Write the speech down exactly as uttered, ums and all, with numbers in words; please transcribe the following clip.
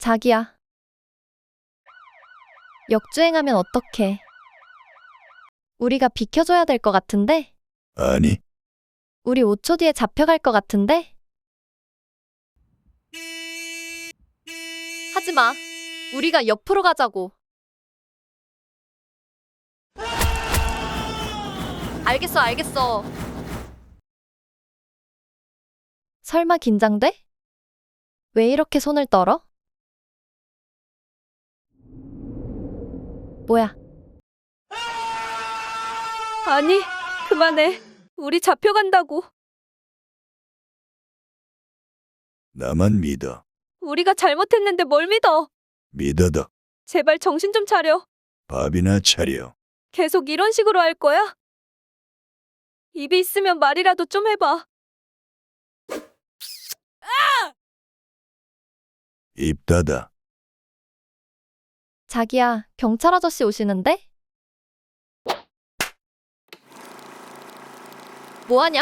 자기야, 역주행하면 어떡해? 우리가 비켜줘야 될 것 같은데? 아니, 우리 오 초 뒤에 잡혀갈 것 같은데? 하지 마. 우리가 옆으로 가자고. 알겠어, 알겠어. 설마 긴장돼? 왜 이렇게 손을 떨어? 뭐야? 아니, 그만해. 우리 잡혀간다고. 나만 믿어. 우리가 잘못했는데 뭘 믿어? 믿어도 제발 정신 좀 차려. 밥이나 차려. 계속 이런 식으로 할 거야? 입이 있으면 말이라도 좀 해봐. 입 닫아. 자기야, 경찰 아저씨 오시는데? 뭐하냐?